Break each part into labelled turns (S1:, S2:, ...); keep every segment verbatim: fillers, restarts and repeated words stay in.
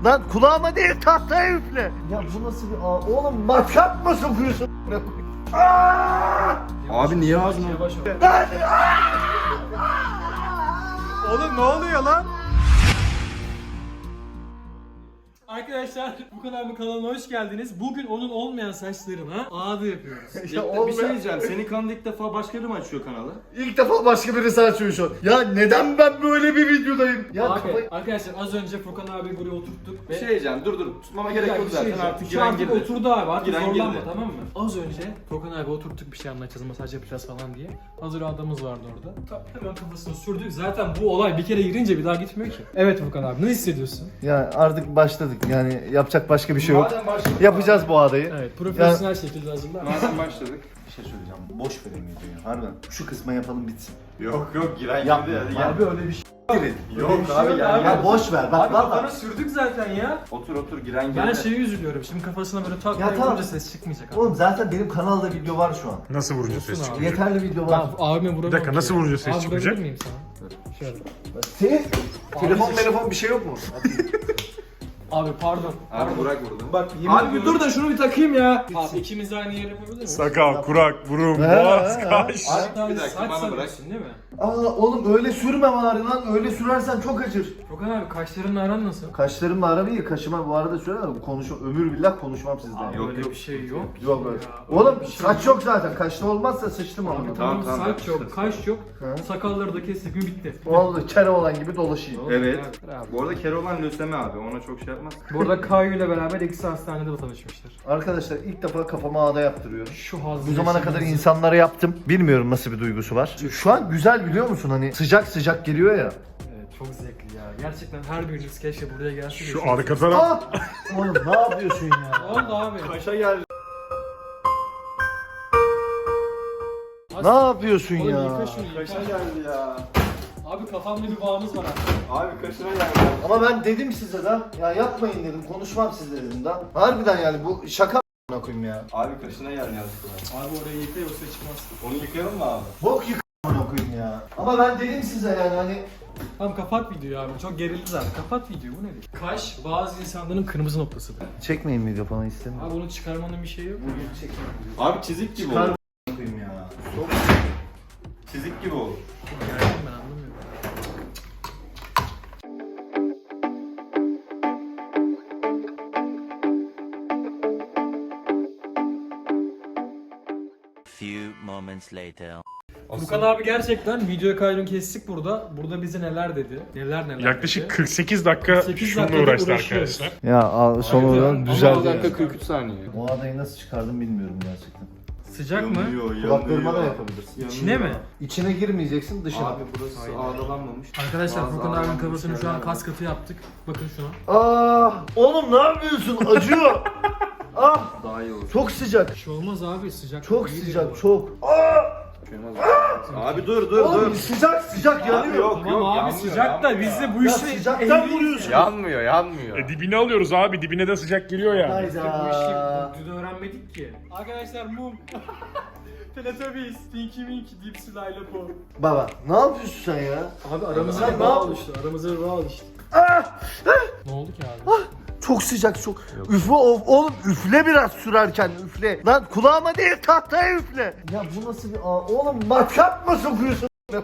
S1: Lan kulağıma değil tahtaya üfle. Ya bu nasıl bir ağ? Oğlum matkap mı sokuyorsun?
S2: Abi niye ağzına?
S3: Oğlum ne oluyor lan? Arkadaşlar bu kanalımın kanalına hoş geldiniz. Bugün onun olmayan saçlarına ağda yapıyoruz.
S1: Ya
S2: Bir şey
S1: olmayan-
S2: diyeceğim. Senin kanalda ilk defa başka biri mi açıyor kanalı?
S1: İlk defa başka birisi açıyor şu an. Ya neden ben böyle bir videodayım? Ya
S3: Abi,
S1: kafayı...
S3: arkadaşlar az önce Furkan abi buraya oturttuk ve
S2: Bir şey diyeceğim. Dur dur. Tutmama gerek
S3: Ya
S2: yok
S3: bir şey
S2: zaten.
S3: diyeceğim.
S2: Artık
S3: Şu
S2: giren
S3: artık
S2: girdi.
S3: oturdu abi, artık
S2: Giren
S3: zorlanma,
S2: girdi.
S3: tamam mı? Az önce Furkan abi oturttuk, bir şey anlatacağız, masaj yapacağız falan diye. Hazır adamımız vardı orada. Ta- Hemen kafasını sürdük. Zaten bu olay bir kere girince bir daha gitmiyor ki. Evet Furkan abi, ne hissediyorsun?
S1: Ya artık başladık yani yapacak başka bir şey yok.
S2: Madem başladık.
S1: Yapacağız bu ağdayı.
S3: Evet, profesyonel şekilde hazırlar.
S2: Madem başladık.
S1: Bir şey söyleyeceğim. Boş verin videoyu. Harbiden. Şu kısma yapalım bitsin.
S2: Yok yok giren
S1: Yapma.
S2: girdi. Hadi gel.
S1: Abi öyle bir şey girin.
S2: Yok
S3: bir şey
S2: abi
S3: yok
S2: gel.
S3: abi.
S2: gel.
S1: Ya boş ver. Bak
S3: Abi
S1: valla.
S3: kafana sürdük zaten ya.
S2: Otur otur giren girdi.
S3: Ben şeye üzülüyorum. Şimdi kafasına böyle tak
S1: Ya
S3: tak
S1: tamam.
S3: vurunca ses çıkmayacak abi.
S1: Oğlum zaten benim kanalda video var şu an.
S4: Nasıl vurunca ses
S3: abi.
S4: çıkacak?
S1: Yeterli video var.
S3: Abi abime vuramam.
S4: Bir dakika,
S3: ki.
S4: nasıl vurunca ses
S3: Abi,
S4: çıkacak?
S3: vurabilir miyim sana? Şöyle.
S1: Senin telefon
S3: Abi-
S1: telefon bir şey yok mu?
S3: Abi pardon.
S2: Abi Burak vurdu.
S3: Bak yemin
S2: Abi bir
S3: ediyorum-
S2: dur da şunu bir takayım ya.
S3: Abi ikimiz de aynı yere yapabilir miyiz?
S4: Sakal, kurak, burun,
S1: He,
S4: boğaz,
S1: he, he.
S4: kaş.
S3: Abi
S2: Bir dakika,
S3: saç
S2: bana bırak.
S3: sarıyorsun değil mi?
S1: Aa oğlum öyle sürme bari lan. Öyle sürersen çok acır.
S3: Furkan abi kaşlarınla aran nasıl?
S1: Kaşlarımla aram iyi. Kaşıma bu arada sürer ama konuşma. Ömür billah konuşmam sizden.
S3: Abi
S1: Yok.
S2: Yok,
S3: öyle
S2: yok.
S3: bir şey yok.
S1: Yok öyle.
S3: Ya,
S1: Oğlum
S3: öyle bir şey
S1: saç yok zaten. Kaşlı olmazsa sıçtım ama.
S3: Abi
S2: Tamam,
S3: tamam,
S2: tamam,
S3: saç
S2: ben-
S3: yok, kaş yok.
S1: He.
S3: Sakalları da kestik mi bitti.
S1: Vallahi kere olan gibi dolaşayım.
S2: Evet.
S3: Abi.
S2: Bu arada Kerolan lösemi abi. Ona çok şey yapmaz.
S3: Burada Kayu ile beraber ikisi hastanede tanışmışlar.
S1: Arkadaşlar ilk defa kafama ağda yaptırıyorum.
S3: Şu hazır.
S1: Bu zamana kadar insanlara yaptım. Bilmiyorum nasıl bir duygusu var. Şu an güzel biliyor musun? Hani sıcak sıcak geliyor ya.
S3: Evet, çok zevkli ya. Gerçekten her biriniz keşke buraya gelse. de
S4: Şu
S3: şu-
S4: arka taraf.
S1: Ah! Oğlum ne yapıyorsun ya?
S3: Ne oldu abi?
S2: Kaşa geldi.
S1: Ne yapıyorsun
S3: Oğlum
S1: ya?
S3: yıka şunu, yıka.
S2: Kaşa geldi ya.
S3: Abi kafamda bir bağımız var abi.
S2: Abi kaşına geldi.
S1: Ama ben dedim size de ya yapmayın dedim. Konuşmam sizle dedim da. Harbiden yani bu şaka a**ına koyayım ya.
S2: Abi kaşına geldi aslında.
S3: Abi orayı yıka yoksa çıkmaz.
S2: Onu yıkayalım mı abi?
S1: Bok yık a**ına koyayım ya. Ama ben dedim size yani hani
S3: Tamam kapat videoyu abi. Çok gerildi zaten. Kapat videoyu. Bu nedir? Kaş bazı insanların kırmızı noktasıdır.
S1: çekmeyin video falan istemiyorum.
S3: Abi onu çıkarmanın bir şeyi yok mu?
S2: Abi çizik gibi
S1: Çıkar
S2: oldu.
S1: koyayım ya.
S2: Çizik gibi oldu.
S3: Gerçekten ben anlamıyorum.
S5: Few moments later.
S3: Furkan abi gerçekten video kaydını kestik burada. Burada bize neler dedi? Neler neler
S4: Yaklaşık
S3: dedi.
S4: kırk sekiz dakika
S3: kırk sekiz
S4: şununla
S3: dakikada
S4: uğraştı
S3: uğraşıyoruz.
S4: arkadaşlar.
S1: Ya al- son
S3: Aynen.
S1: olarak
S3: Ama
S1: düzeldi.
S2: dakika
S1: yani.
S2: kırk üç saniye.
S1: O adayı nasıl çıkardım bilmiyorum gerçekten.
S3: Sıcak mı?
S1: Kulaklarıma da yapabilirsin.
S3: İçine mi?
S1: İçine girmeyeceksin dışına.
S2: Abi burası ağdalanmamış.
S3: Arkadaşlar
S2: Bazı
S3: Furkan abinin
S2: ağdalanmış
S3: kafasını şu an
S2: yerler
S3: kas katı yaptık. Bakın şuna.
S1: Ah! Oğlum ne yapıyorsun? Acıyor. Ah!
S2: Daha iyi olur.
S1: Çok sıcak.
S3: Bir şey olmaz abi, sıcak.
S1: Çok
S3: iyidir
S1: sıcak,
S3: bu.
S1: çok. Ah!
S2: Abi dur dur
S1: Oğlum
S2: dur.
S1: sıcak sıcak yanıyor.
S2: yok
S3: Tamam
S2: yok
S3: abi
S2: yanmıyor,
S3: sıcak da
S2: yanmıyor
S3: biz
S2: ya.
S3: de bu
S1: Ya
S3: işi
S1: sıcaktan
S3: ehliyiz
S1: vuruyorsun.
S3: ya.
S2: Yanmıyor yanmıyor.
S4: E dibini alıyoruz abi, dibine de sıcak geliyor ya.
S3: Biz de bu
S1: Hayda.
S3: işi dün öğrenmedik ki. Arkadaşlar mum. Teletubbies, Tinky Winky, Dipsy, Layla Po.
S1: Baba ne yapıyorsun sen ya?
S3: Abi aramıza
S1: Sen
S3: bir
S1: ne
S3: bağ
S1: yapıyorsun?
S3: oluştu, aramıza bir bağ oluştu. Ne oldu ki abi?
S1: Çok sıcak çok. Üfle of, oğlum üfle biraz sürerken üfle. Lan kulağıma değil tahtaya üfle. Ya bu nasıl bir ağ? Oğlum matkap mı sokuyorsun?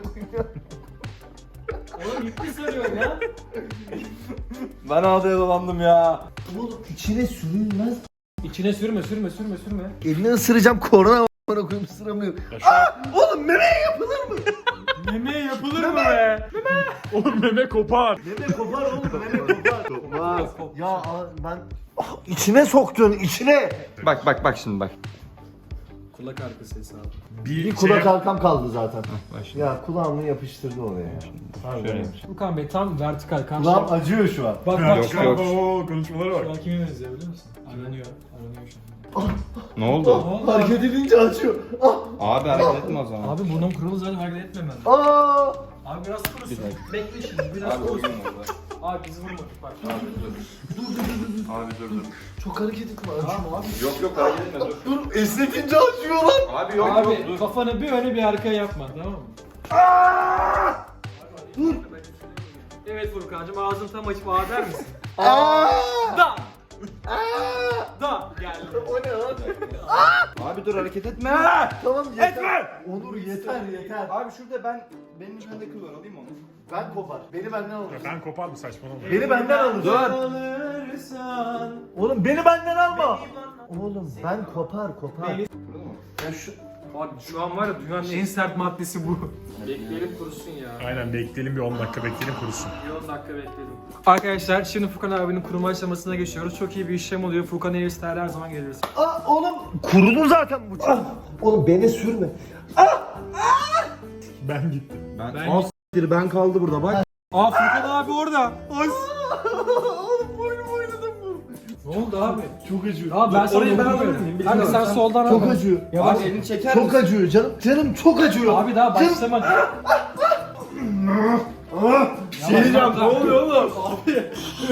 S3: Oğlum ipli sarıyorum ya.
S2: Ben ağdaya dolandım ya.
S1: Oğlum içine sürülmez.
S3: İçine sürme, sürme, sürme, sürme.
S1: Elini ısıracağım korona bana koyayım ısıramıyorum. Aa, oğlum memeye yapılır mı?
S3: Meme yapılır mı be?
S4: Oğlum meme kopar.
S1: Meme kopar oğlum meme kopar. Kopmaz. Ya a- ben ah, içine soktun içine.
S2: Bak bak bak şimdi bak.
S3: Kulak arkası hesabı.
S4: Bir,
S1: Bir kulak
S4: şey-
S1: halkam kaldı zaten.
S2: Bak şimdi.
S1: Ya kulağımı yapıştırdı oraya. Harbiden.
S3: Furkan Bey tam vertikal kan.
S1: Kulağım acıyor şu an.
S3: Bak bak
S4: Yok
S3: şu an.
S4: yok. Oo, konuşmalara
S3: Şu
S4: bak.
S3: an kime benziyor biliyor musun? Aranıyor. Aranıyor şu an.
S2: Ne oldu?
S1: Ah, hareket edince acıyor. Ah,
S2: Abi hareket etme o zaman.
S3: Abi burnum kurulu zaten hareket etmem ben.
S1: aa.
S3: Abi biraz kurusun. Bekle şimdi biraz
S2: Abi
S3: kurusun.
S2: uygun orada.
S3: Abi bizi vurma bak.
S2: Abi dur. Abi dur dur.
S1: Çok hareket etme acıyor.
S3: Tamam abi.
S2: Yok yok hareket etme dur.
S1: Dur esnetince acıyor lan.
S2: Abi yok yok
S3: Abi
S2: dur.
S3: kafanı bir öne bir arkaya yapma tamam mı?
S1: Dur.
S3: Evet Furkan'cığım ağzını tam açıp A der misin?
S1: Aa!
S3: Da! Da! Geldi.
S1: O ne lan?
S2: Abi dur hareket etme.
S1: Tamam yeter. Onur yeter yeter.
S2: Abi şurada ben benim bende kıl var alayım onu.
S1: Ben kopar. Beni benden alır.
S4: Ben kopar mı saçmalama?
S1: Beni benden alır.
S2: Dur.
S1: Oğlum beni benden alma. Oğlum ben kopar kopar.
S3: Beni-
S1: Ya şu
S3: Bak şu an var ya dünyanın en sert maddesi bu. Bekleyelim kurusun ya.
S4: Aynen bekleyelim bir on dakika bekleyelim kurusun.
S3: Bir on dakika bekleyelim. Arkadaşlar şimdi Furkan abinin kuruma aşamasına geçiyoruz. Çok iyi bir işlem oluyor. Furkan Airstyle her zaman geliriz.
S1: Aa, oğlum kurudu zaten bu. Ah, oğlum beni sürme.
S4: Ben gittim.
S2: Ben,
S3: Ben-
S2: Al s**tir, ben kaldı burada bak.
S3: Aa Furkan abi orada. Ay.
S1: Oğlum boynum oynadım bu.
S3: Ne oldu abi?
S4: Çok acıyor.
S3: Abi ben sana
S2: orayı ben
S3: dokunmuyorum.
S2: alabilir miyim?
S3: Abi
S2: Bilmiyorum.
S3: sen
S2: Sen-
S3: soldan al.
S1: Çok acıyor.
S3: Yavaş.
S2: Abi elini çeker
S1: Çok
S2: misin?
S1: acıyor canım. Canım çok acıyor.
S3: Abi daha başlamadı.
S1: Şey diyeceğim, ne oluyor
S3: oğlum? Abi.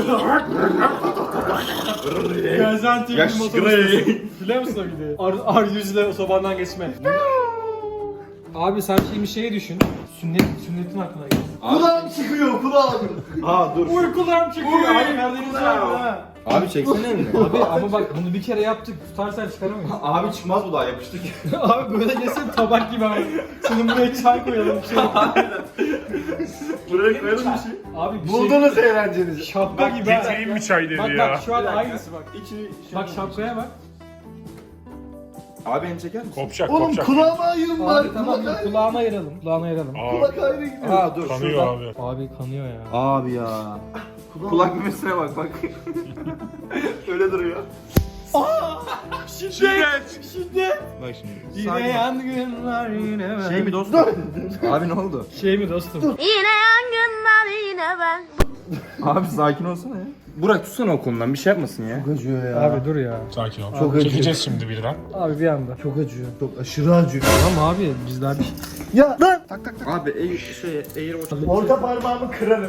S3: Gaziantep
S2: Yaş
S3: motoru. Biliyor musun o videoyu? Ar, ar yüzle sobandan geçme. Abi sen şimdi şeyi düşün. Sünnet, sünnetin aklına geldi.
S1: Kulağım çıkıyor kulağım.
S2: Aa dur.
S3: Uykularım çıkıyor. Abi Karadeniz abi ha.
S2: Abi çeksene elini.
S3: Abi ama bak bunu bir kere yaptık. Tutarsan çıkaramayız.
S2: Abi çıkmaz bu daha yapıştık.
S3: Abi böyle geçsin tabak gibi abi. Şimdi buraya çay koyalım bir şey.
S2: Buraya koyalım bir şey.
S3: Abi bir şey.
S1: Buldunuz eğlencenizi.
S3: Şapka gibi ha.
S4: Getireyim mi çay dedi
S3: Bak
S4: ya.
S3: bak şu an aynısı bak.
S2: İçini
S3: Bak şapkaya bak.
S2: Abi elini çeker misin?
S4: Kopacak
S1: Oğlum
S4: kopacak.
S1: kulağıma ayırın bari.
S3: Abi tamam
S1: Kulak ayrı.
S3: kulağına ayıralım. Kulağına ayıralım.
S4: Aa,
S1: Kulak ayrı gidiyor.
S2: Aa dur.
S4: kanıyor
S2: şuradan.
S4: abi.
S3: Abi kanıyor ya.
S2: Abi ya. Kulak memesine bak bak. Öyle duruyor.
S4: Şiddet.
S3: Şiddet.
S2: Bak şimdi.
S3: Yine yangınlar yine ben.
S2: Şey mi dostum? Abi ne oldu?
S3: Şey mi dostum?
S6: Yine yangınlar yine ben.
S2: Abi sakin olsana ya. Burak tutsana o konudan bir şey yapmasın ya.
S1: Çok acıyor ya.
S3: Abi dur ya.
S4: Sakin ol.
S1: Çok acıyor.
S4: Çekeceğiz şimdi birden.
S3: Abi bir anda.
S1: Çok acıyor. Çok aşırı acıyor.
S3: Tamam abi biz daha bir
S1: Ya lan.
S2: Abi eğir şey eğir o.
S1: Orta parmağımı kırarım.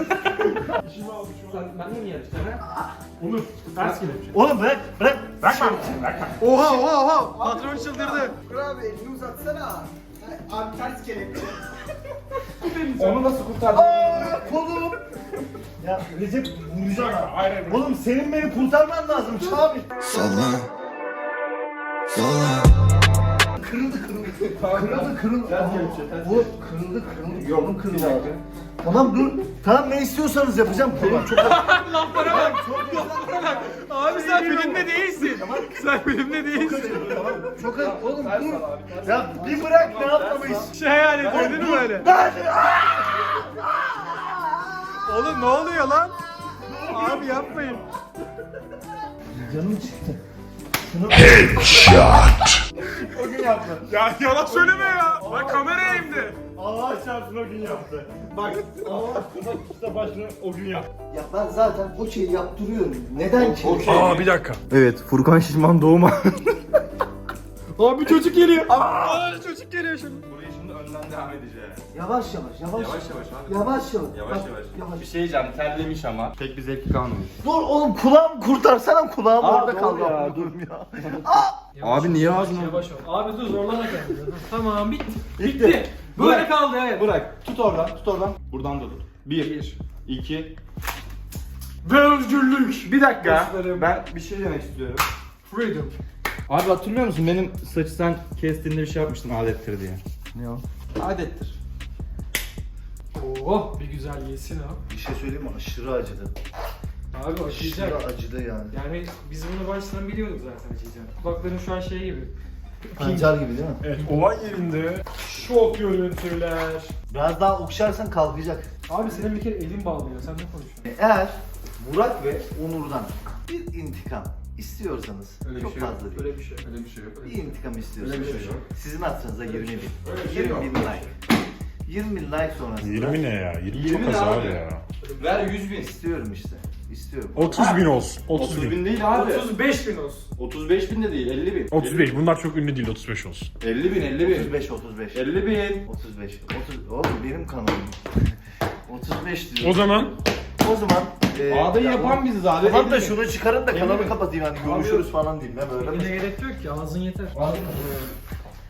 S3: Sen benimle mi yarışacaksın ha?
S4: Onur ters kelepçe.
S1: Oğlum bırak bırak.
S4: Bırakma. Bırakma.
S1: Oha oha oha. Patron çıldırdı.
S2: Onu nasıl kurtardın?
S1: Aa, kolum. Ya Recep vuracağım ha.
S4: Hayır hayır.
S1: Oğlum senin beni kurtarman lazım Çağbi. Kırıldı kırıldı. Kırıldı kırıldı.
S2: Ters kelepçe, ters
S1: Bu kırıldı kırıldı. Yolum kırıldı abi. Tamam dur. Tamam ne istiyorsanız yapacağım. Tamam çok
S3: Laflara bak. Çok laflara bak. Abi sen filmde değilsin. Sen filmde değilsin.
S1: tamam. Çok az. Oğlum dur. Ya bir bırak ne yapmamış.
S3: Şey hayal ediyor değil mi böyle? Oğlum ne oluyor lan? Abi yapmayın.
S1: Canım çıktı.
S2: O gün yaptı.
S4: Ya yalan söyleme ya. Bak kameraya indi.
S1: Allah çarpsın o gün yaptı.
S4: Bak. Bak işte başını o gün yap.
S1: Ya ben zaten o şeyi yaptırıyorum. Neden ki?
S4: Aa bir dakika.
S2: Evet Furkan Şişman doğuma.
S3: Abi çocuk geliyor. Aa çocuk geliyor şimdi.
S2: Burayı şimdi önden devam edeceğiz.
S1: Yavaş yavaş yavaş.
S2: Yavaş yavaş abi.
S1: Yavaş yavaş.
S2: Yavaş
S1: Bak,
S2: yavaş.
S1: yavaş.
S2: Bir şey diyeceğim terlemiş ama. Pek bir zevki kalmamış.
S1: Dur oğlum kulağımı kurtarsana kulağım
S2: Aa,
S1: orada
S2: doğru
S1: kaldı.
S2: ya,
S1: Ya,
S2: dur.
S1: ya.
S2: Abi niye ağzını-
S3: Yavaş ol. Abi dur zorlama kendini. Tamam bitti.
S2: Bitti.
S3: Bitti. Böyle
S2: Bırak.
S3: kaldı evet.
S2: Bırak. Tut oradan tut oradan. Buradan da tut. Bir. iki.
S3: Ve özgürlük.
S2: Bir dakika.
S3: Dostlarım.
S2: Ben bir şey demek istiyorum.
S3: Freedom.
S2: Abi hatırlıyor musun benim saçı sen kestiğinde bir şey yapmıştın adettir diye. Ne o? Adettir.
S3: Oh bir güzel yesin abi.
S1: Bir şey söyleyeyim mi? Aşırı acıdı.
S3: Abi acıyacak.
S1: Aşırı acıdı yani.
S3: Yani biz bunu baştan biliyorduk zaten acıyacağını. Kulakların şu an şey gibi.
S1: Pancar gibi değil mi?
S4: Evet olay yerinde şok görüntüler.
S1: Biraz daha okşarsan kalkacak.
S3: Abi senin bir kere elin bağlıyor. Sen ne konuşuyorsun?
S1: Eğer Burak ve Onur'dan bir intikam istiyorsanız
S2: Öyle bir
S1: çok
S2: şey yok.
S1: fazla değil.
S3: Öyle bir şey.
S2: Öyle bir şey yok.
S1: Bir intikam istiyorsanız
S2: Öyle bir şey yok.
S1: sizin hatırınıza yirmi bin.
S2: Öyle bir şey
S1: yirmi
S2: yok.
S1: bin like. yirmi bin like sonrasında
S4: yirmi ne ya? yirmi,
S2: yirmi
S4: çok az
S2: ne
S4: abi
S2: abi?
S4: ya.
S2: Ver yüz bin.
S1: istiyorum işte. İstiyorum.
S4: otuz bin olsun. otuz
S2: otuz
S4: bin.
S2: bin değil abi.
S3: otuz beş bin olsun.
S2: otuz beş bin de değil elli bin.
S4: otuz beş. Bunlar çok ünlü değil. otuz beş olsun.
S2: elli bin elli bin.
S1: otuz beş otuz beş.
S2: elli bin.
S1: otuz beş. otuz Oğlum benim kanalım. otuz beş diyor.
S4: O zaman
S1: O zaman e,
S2: Ağdayı
S1: ya
S2: yapan
S1: bu-
S2: biziz abi.
S1: Tamam da
S2: elli bin.
S1: şunu çıkarın da
S2: elli
S1: kanalı
S2: bin.
S1: kapatayım hani görüşürüz falan diyeyim. Ne böyle
S3: Yine
S1: mi?
S3: gerek yok ki ağzın yeter.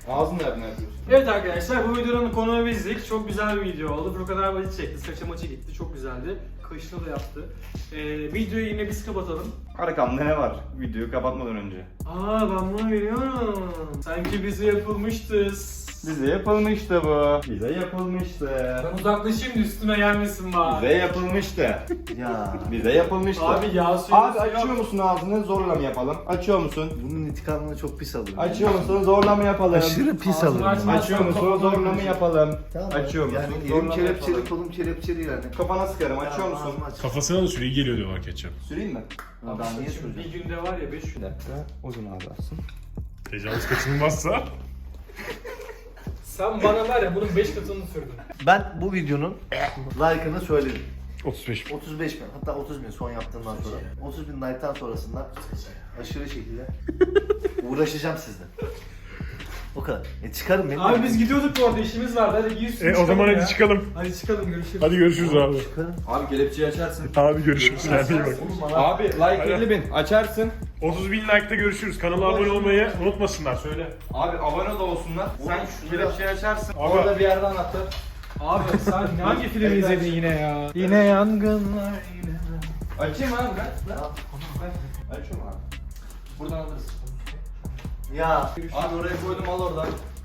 S2: Ağzını nereden yapıyorsun?
S3: Evet arkadaşlar bu videonun konuğu bizdik. Çok güzel bir video oldu. Furkan abi acı çekti. Saça maçı gitti. Çok güzeldi. Kaşını da yaptı. Ee, videoyu yine biz kapatalım.
S2: Arkamda ne var? Videoyu kapatmadan önce.
S3: Aa ben bunu biliyorum. Sanki bize yapılmıştı.
S2: Bize yapılmıştı bu. Bize yapılmıştı.
S3: Ben uzaklaşayım da üstüme gelmesin bari.
S2: Bize yapılmıştı.
S1: Ya
S2: Bize yapılmıştı.
S3: Abi yağ suyu
S2: Abi açıyor musun ağzını? Zorla mı yapalım? Açıyor musun?
S1: bunun intikamını çok pis alırım.
S2: Açıyor musun? Zorla mı yapalım?
S1: Aşırı pis
S3: Ağzını
S1: alırım.
S3: açma.
S1: bunu.
S2: Açıyor musun? Zorla mı yapalım?
S1: Tamam.
S2: Açıyor musun?
S1: Yani
S2: Zorla
S1: elim
S2: mı
S1: kelepçeli,
S2: yapalım?
S1: kolum kelepçeli yani.
S2: Kafana sıkarım. Açıyor
S1: Tamam,
S2: musun?
S1: ağzımı aç.
S4: Kafasına da süreyi geliyor diyorlar ketçap.
S2: Süreyim mi?
S1: Abi
S3: Abi
S1: niye
S3: şimdi bir
S1: söyleyeceğim?
S3: günde var ya beş
S2: Bir
S3: gün.
S2: dakika. Uzun ağlarsın.
S4: Tecavüz kaçınılmazsa.
S3: Sen bana var ya bunun beş katını sürdün.
S1: Ben bu videonun like'ını söyledim.
S4: otuz beş.
S1: otuz beş bin, hatta otuz bin son yaptığımdan sonra. otuz bin like'tan sonrasında aşırı şekilde uğraşacağım sizle. O kadar. E çıkarım beni.
S3: Abi biz gidiyorduk bu arada işimiz vardı. Hadi giy üstünü
S4: E o zaman
S3: çıkalım
S4: hadi
S3: ya.
S4: çıkalım.
S3: Hadi çıkalım görüşürüz.
S4: Hadi görüşürüz abi.
S1: Çıkarım.
S2: Abi kelepçeyi açarsın.
S4: Abi görüşürüz. Kendine iyi bak.
S2: Abi like elli bin. Açarsın.
S4: otuz bin like'da görüşürüz. Kanala abone olmayı unutmasınlar. Söyle.
S2: Abi abone da olsunlar. Sen şu kelepçeyi açarsın.
S4: Abi-
S2: Orada bir yerden anahtar.
S3: Abi sen hangi filmi izledin yine ya? Yine yangınlar yine.
S2: Açayım abi ben. Açıyorum abi. Buradan alırız.
S1: Ya
S2: Abi oraya koydum al oradan.